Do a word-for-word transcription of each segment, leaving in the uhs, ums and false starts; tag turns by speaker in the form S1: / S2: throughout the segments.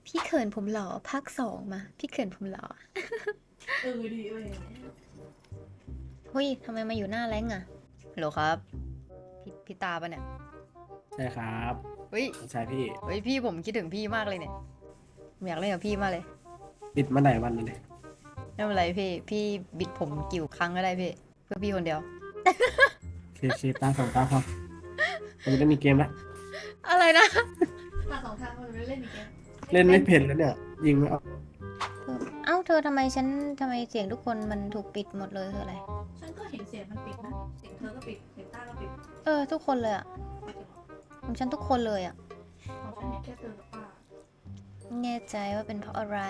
S1: พี่เขินผมหล่อภาคสองมาพี่เขินผมหล่อ
S2: เออดีเลย
S1: เฮ้ยทำไมมาอยู่หน้าแรงอ่ะฮัลโหลครับพี่พี่ตาปะเนี่ย
S3: ใช่ครับ
S1: เฮ้ย
S3: ใช่พี่
S1: เฮ้ยพี่ผมคิดถึงพี่มากเลยเนี่ยผมอยากเล่นกับพี่มากเลย
S3: ปิดมาไหนวันเลย
S1: ไม่เป็นไรพี่พี่บิดผมกี่ครั้งก็ได้พี่เพื่อพี่คนเดียว
S3: เคเคตาสองตาพอผมจะได้มีเกมแล้ว
S1: อะไรนะ
S2: มาสองทางมันไม่เล่นอีกแล้ว
S3: เล่นไม่เพ่นแล้วเนี่ย ยิงไม่ออก
S1: เอ้าเธอทำไมฉันทำไมเสียงทุกคนมันถูกปิดหมดเลยคืออะไร
S2: ฉันก็เห็นเสียงมันปิดนะเสียงเธอก็ปิดเสียงต้าก็ปิด
S1: เออทุกคนเลยอ่ะของฉันทุกคนเลยอ่ะ
S2: ของฉันเห็นแค่เธอกับป้า
S1: แน่ใจว่าเป็นเพราะอะไร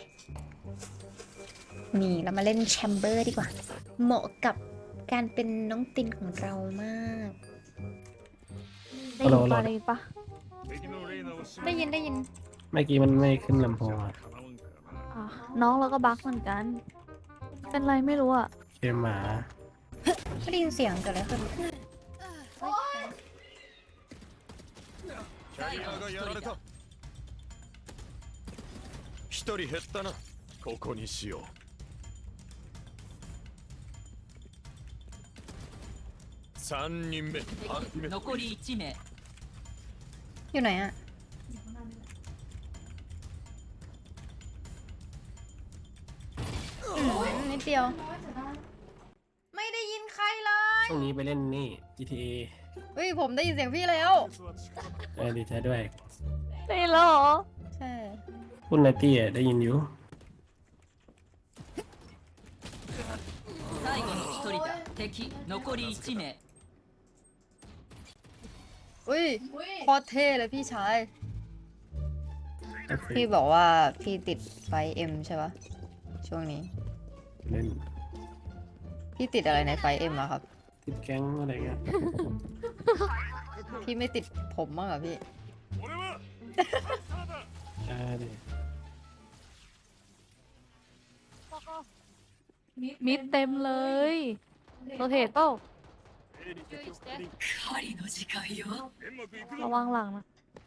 S1: นี่เรามาเล่นแชมเบอร์ดีกว่า เหมาะกับการเป็นน้องตินของเรามาก
S4: ได้ยินปะได้ยินปะ
S1: ได้ยินได้ยิน
S3: เมื่อกี้มันไม่ขึ้นลำโพงอะ
S4: อ่ะน้องเราก็บักเหมือนกัน เป็นไรไม่รู้อ่ะ
S3: เกมหมา
S1: ไม่ได้ยินเสียงเกิดอะไรขึ้น
S5: キャリアがやられた一人減ったなここにしよう三人目アルティメット
S6: 残りいち名
S1: อยู่ไหนอ่ะ
S2: อยู่ข้างหน้านี่แหละ
S1: อืมนิดเดียว
S2: น้อยแต่ได้
S1: ไม่ได้ยินใครเลย
S3: ช่วงนี้ไปเล่นนี่ จี ที เอ
S1: เฮ้ยผมได้ยินเสียงพี่แล้ว
S3: เออดีใจด้วย
S4: ได้ยินแล้วเหรอ
S1: ใช่
S3: คุณไนตี้อะได้ยินอยู่
S6: 最後の一人だ敵残りいち名
S1: อุ้ย
S2: อุ้ย
S1: โคตรเท่เลยพี่ชาย
S3: ก็คือ
S1: พี่บอกว่าพี่ติดไฟเอ็มใช่ปะช่วงนี้
S3: เล่น
S1: พี่ติดอะไรในไฟเอ็มอะครับ
S3: ติดแก๊งอะไรเงี้ย
S1: พี่ไม่ติดผมบ้างเหรอพี่
S5: 俺は
S3: ใช่ดิ
S4: มิดเต็มเลยโรเทตเปล่า
S6: 狩りの時間よ
S5: 煙幕行く
S4: ระวังหลังนะ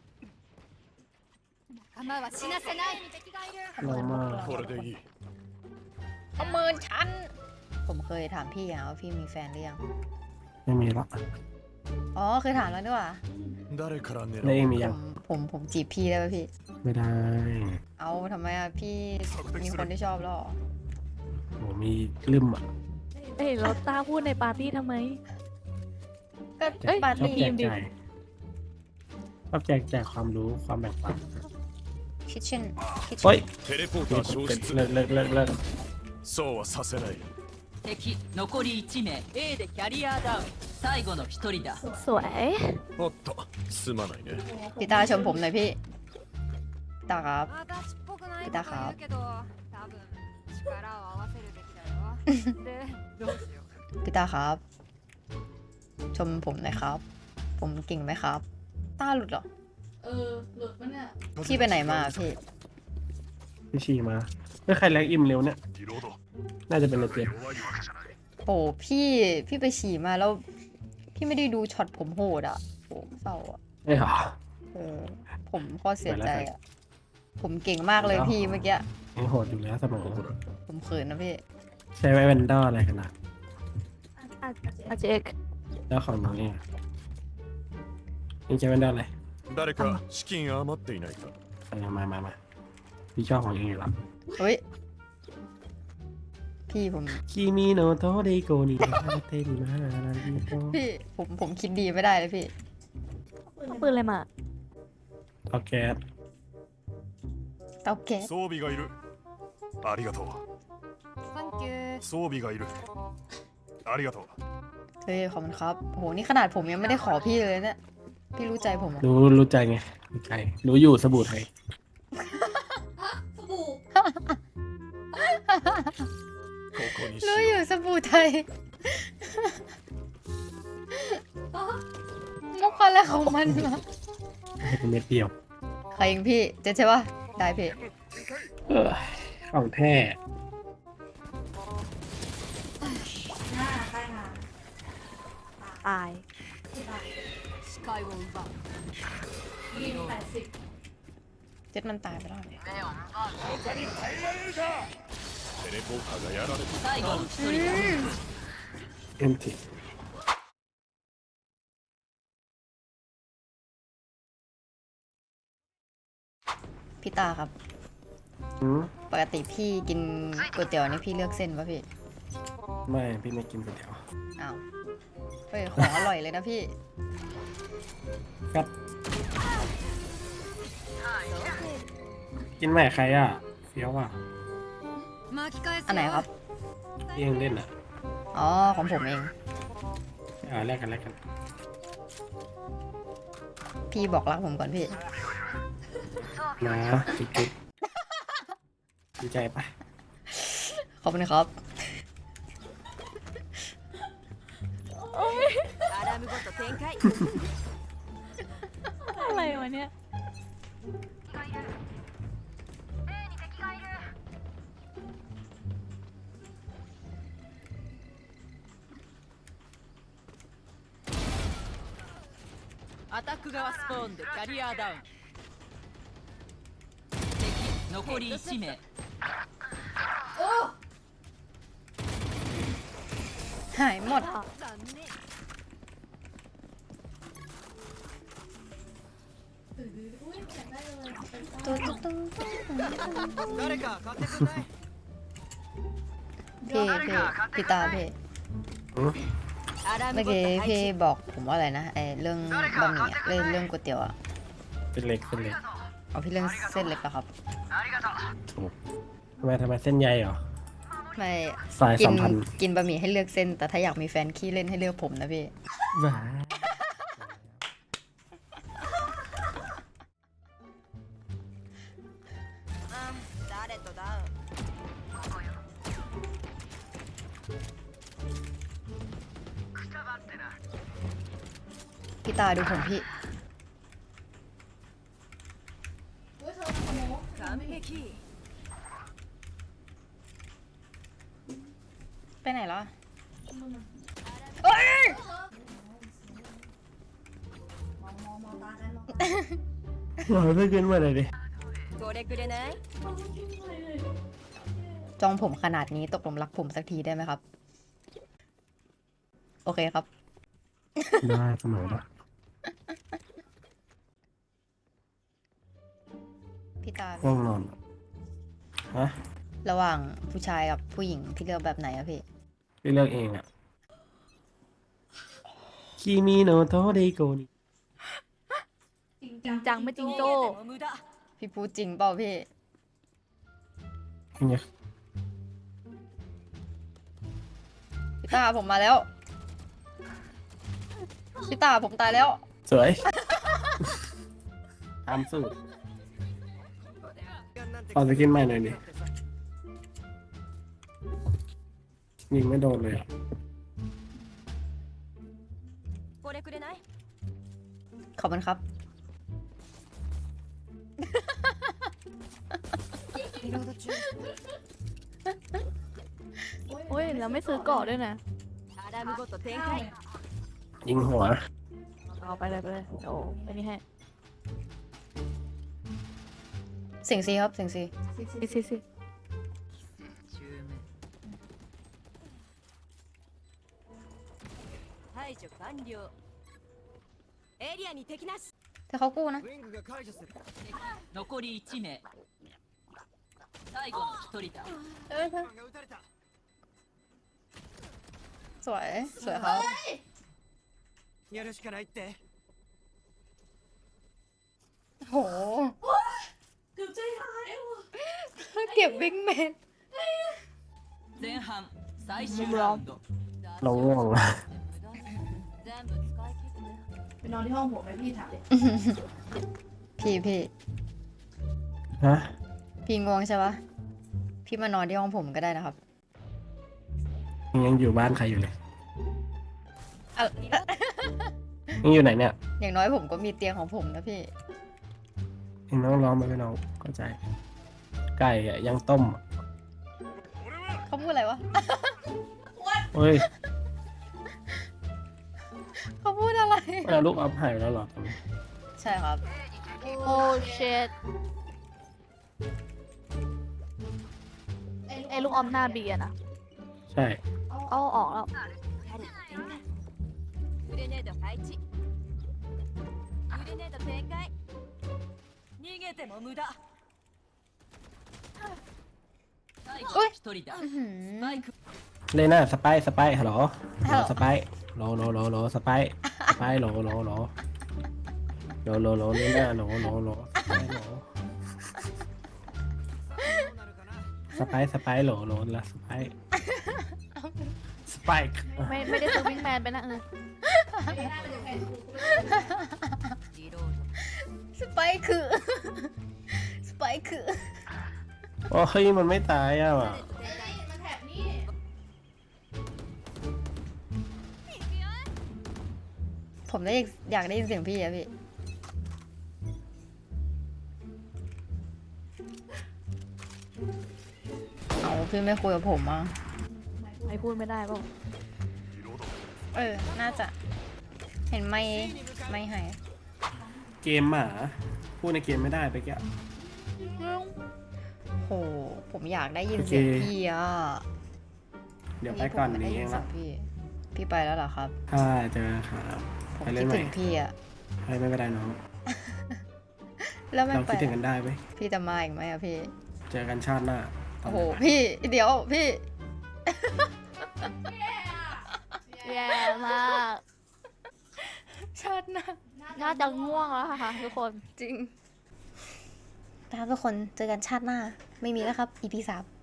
S1: 仲間は死なせない敵がいる
S3: ลองมา
S5: これでいい
S1: ประเมินฉัน ผมเคยถามพี่อะว่าพี่มีแฟนหรือยัง
S3: ไม่มีละ
S1: อ๋อเคยถามแล้วด้วยว่ะ
S5: 誰から狙
S3: แล้วเองมี
S1: ผ
S3: ยัง
S1: มผมผมจีบพี่ได้ป่ะพี่
S3: ไม่ได้
S1: เอาทำไมอะพี่มีคนที่ชอบแล้วเหรอ
S3: โหมีลืมอ่ะ
S4: เอ้ยเราตาพูดในปาร์ตี้ทำไม
S1: ก็
S4: เอ้ย
S1: ปาร์
S3: ชอบ
S1: ตี้
S3: แจกจ่ายชอบแจกจ่ายความรู้ความแบ่งปัน
S1: คิทเช่นคิท
S3: โอ้
S1: เช่
S3: ย
S1: น
S5: テレポーター消失
S3: เลิกเลิกเลิกเลิก
S5: そうはさせない
S6: 敵残りいち名 A でキャリアダウン最後の一人だ
S4: สวย
S5: おっとすまないね
S1: พี่ตาชมผมหน่อยพี่พี่ตาครับ
S7: 私っぽくない
S1: 出たか
S7: こと言うけど多分力を合わせるべきだよでどうしよう
S1: พี่ตาครับ ชมผมหน่อยครับ ผมเก่งไหมครับตาหลุดเหรอ
S2: เออหลุดมันเนี่ย
S1: พี่ไปไหนมาพี่
S3: พี่ชีมาเมื่อใครแรงอิ่มเร็วเนี่ย
S5: リロード
S3: น่าจะเป็นในเจม
S5: 弱いわけじゃない
S1: โอ้พี่พี่ไปฉี่มาแล้ว พี่ไม่ได้ดูช็อตผมโหดอ่ะโอ้เศร้าอ่ะ
S3: ไม่หรอ
S1: เออ ผมข้อเสียใจ
S3: ไปแล้ว
S1: อ่ะ ผมเก่งมากเลยพี่เมื่อกี้
S3: ยังโหดอยู่แล้วเสมอ
S1: ผมเขินนะพี่
S3: ใช้ไว้แวนดอร์อะไรกันนะ
S4: อาอาเจก
S3: แล้วของน้องเองยังใช้แวนดอร์อะไร
S5: 誰か資金余っていないか
S3: เอามามามาพี่ชอบของเองอยู่แล้ว
S1: เฮ้ย พี่ผม
S3: คิมิโนโตะเดโกนิเตนิมานาริโต
S1: พี่ผมผมคิดดีไม่ได้เลยพี่
S4: เอาปืนอะไรมา
S3: เอาแก๊ส
S1: เตาแก๊ส
S5: 装備がいるありがとう
S7: サンキュー
S5: 装備がいるありがとう
S1: เฮ้ยขอบคุณครับโหนี่ขนาดผมยังไม่ได้ขอพี่เลยเนี่ย พี่รู้ใจผมเหรอ
S3: รู้รู้ใจไงรู้ใจรู้อยู่สบู่ไทย
S2: สบู่
S5: ここにし
S1: รู้
S5: よ
S1: อยู่
S5: う
S1: สบู่ไทย มุกอะไรของมันวะ
S3: ให้เป็นเม็ดเดียว
S1: ใครยิงพี่เจ๊ใช่ปะได้พี่
S3: เออของแท้
S2: หน้าใต้งาน
S4: ตาย
S6: 視界を奪う
S2: ยิงแปดสิบ
S1: จ็ดมันตายไปแล้ว
S5: テレポーカーがやられて
S6: 最後の一人だ
S3: เอ็มที
S1: พี่ตาครับ
S3: อืม
S1: ปกติพี่กินก๋วยเตี๋ยวนี่พี่เลือกเส้นป่ะพี่
S3: ไม่พี่ไม่กินก๋วยเตี๋ยว
S1: อ้าวเฮ้ยของอร่อยเลยนะพี่
S3: ครับ กินใหม่ใครอ่ะเฟี้ยวอ่ะ
S1: อันไหนครับ
S3: พี่ยังเล่นอ่ะ
S1: อ๋อ ของผมเอง
S3: อ่าแลกกันแลกกัน
S1: พี่บอกรักผมก่อนพี่
S3: นะจุ๊บจุ๊บดีใจปะ
S1: ขอบคุณครับ
S4: อะไรวะเนี่ย
S6: アタック側スポーンでキャリアダウン敵残りいち名
S1: หายหมดตุ๊ดตุ๊ดตุ๊ดพี่พี่พี่ตาพี่
S3: อืม
S1: เมื่อกี้พี่บอกผมว่าอะไรนะไอเรื่องบะหมี่อะเรื่องเรื่องก๋วยเตี๋ยวอะ
S3: เป็นเล็กเป็นเล็ก
S1: เอาพี่เรื่องเส้นเล็กเหรอครับ
S3: ถูกทำไมทำไมเส้นใยเหรอ
S1: ไม่
S3: สาย
S1: กิ
S3: สัมพันธ์
S1: กินบะหมี่ให้เลือกเส้น แต่ถ้าอยากมีแฟนขี้เล่นให้เลือกผมนะพี่
S3: ว้า
S1: พี่ตาดูผมพี่ ไปไหนแล้วอะเอ้ย
S2: มองมองมองตากันมอง
S3: หน่อยไม่กินมาเลยดิ
S1: จองผมขนาดนี้ตกลงรักผมสักทีได้ไหมครับ โอเคครับ
S3: ได้เสมอละ
S1: พี่ตา
S3: ง่วงนอนฮะ
S1: ระหว่างผู้ชายกับผู้หญิงพี่เลือกแบบไหนอะพี่
S3: พี่เลือกเองอ่ะคิมิโนโตะเดโกนิ
S2: จริง
S4: จริงจังไม่จริงโจ้
S6: 無駄
S1: พี่พูดจริงเปล่าพี่
S3: เนี่ย
S1: พี่ตาผมมาแล้ว พี่ตาผมตายแล้ว
S3: สวยตามสูตรตอนจะกินใหม่หน่อยดิยิงไม่โดนเลยอ่ะ
S1: ขอบคุณครับ
S4: โอ้ยแล้วไม่ซื้อเกาะด้วยนะ
S3: ยิงหัว
S4: เอาไปเลยไปเลยโอ้ไปนี่ให้
S1: เสียงซีครับเสียงซี
S4: สิสิสิ
S6: 排除完了エリアに敵なし
S1: ถ้าเขากู้นะ
S6: 残りいち名最後の一人だ
S1: สวย สวยครับ
S5: やるしかないって
S1: โห
S2: เกือบใจหายว่ะ
S1: เก็บบิ๊กแมน
S6: 前半最終ラウンド
S3: เราง่วงละ
S6: 全部使い切って
S2: ไปนอนที่ห้องผมไหมพี่ถามเลย
S1: พี่พี่
S3: ฮะ
S1: พี่ง่วงใช่ปะพี่มานอนที่ห้องผมก็ได้นะครับ
S3: ยังอยู่บ้านใครอยู่เลย
S1: อ่ะ
S3: ยังอยู่ไหนเนี่ย
S1: อย่างน้อยผมก็มีเตียงของผมนะพี่
S3: เองน้องร้องมาไม่น้องเข้าใจ ไก่อะยังต้มอะ
S1: เขาพูดอะไรวะ
S3: เฮ้ย
S1: เขาพูดอะไร
S3: เอาลูกอัพหายแล้วเหรอ
S1: ใช่ครับ
S4: โอ้เช็ดอ้ลูกอมหน้าบีอะนะ
S3: ใช่
S4: เอาออกแล้ว
S7: グレネード配置グレネード展開逃げても無駄
S6: 最後
S1: おい
S6: の一人だ
S1: อื้อหือ
S6: マイク
S3: เลน่าสไปสไปฮัลโหล
S1: ฮัลโหล
S3: สไปโหลโหลโหลโหลสไปสไปโหลโหลโหลโหลโหลโหลเลน่าโหลโหลโหลสไปโหลสไปสไปโหลโหลละสไปสไป
S4: ไม่ไม่ได้ซื้อวิงแมนไปนะเออ
S7: リロード
S1: สไปค์คือ สไปค์คือ
S3: โอ้ยมันไม่ตายอ่ะ
S2: มันแถบนี่
S1: ผมได้อยากได้ยินเสียงพี่อะพี่ เอาพี่ไม่คุยกับผมอ่ะ
S4: ไม่พูดไม่ได้เปล่า
S1: เออ น่าจะ เห็นไม่ไม่หาย
S3: เกมหมาพูดในเกมไม่ได้ไปแก
S1: โห ผมอยากได้ยินเสียงพี่อ่ะ
S3: เดี๋ยวไปก่อน
S1: ผมไม่
S3: นี้
S1: ได้
S3: เอ
S1: ยิน
S3: ง
S1: เสีย
S3: ละ
S1: งพี่ พี่ไปแล้วเหรอครับ
S3: ใช่เจอครับ
S1: ผม
S3: ไปเล่
S1: คิด
S3: นใหม่
S1: ถึงพี่อ่ะ
S3: ไปไม่เป็นไรน้อง
S1: แล้วไม่
S3: เรา
S1: ไป
S3: คิดถึงกันได้ไหม
S1: พี่จะมาอีกไหมอะพี่
S3: เจอกันชาติหน้าตอน
S1: โอ้โห
S3: ไหน
S1: พี่ เดี๋ยวพี่
S4: แย่มาก
S1: ชาติหน้า
S4: น่าจะง่วงแล้วค่ะทุกคน
S1: จริงนะครับทุกคนเจอกันชาติหน้า ไม่มีแล้วครับ อี พี สาม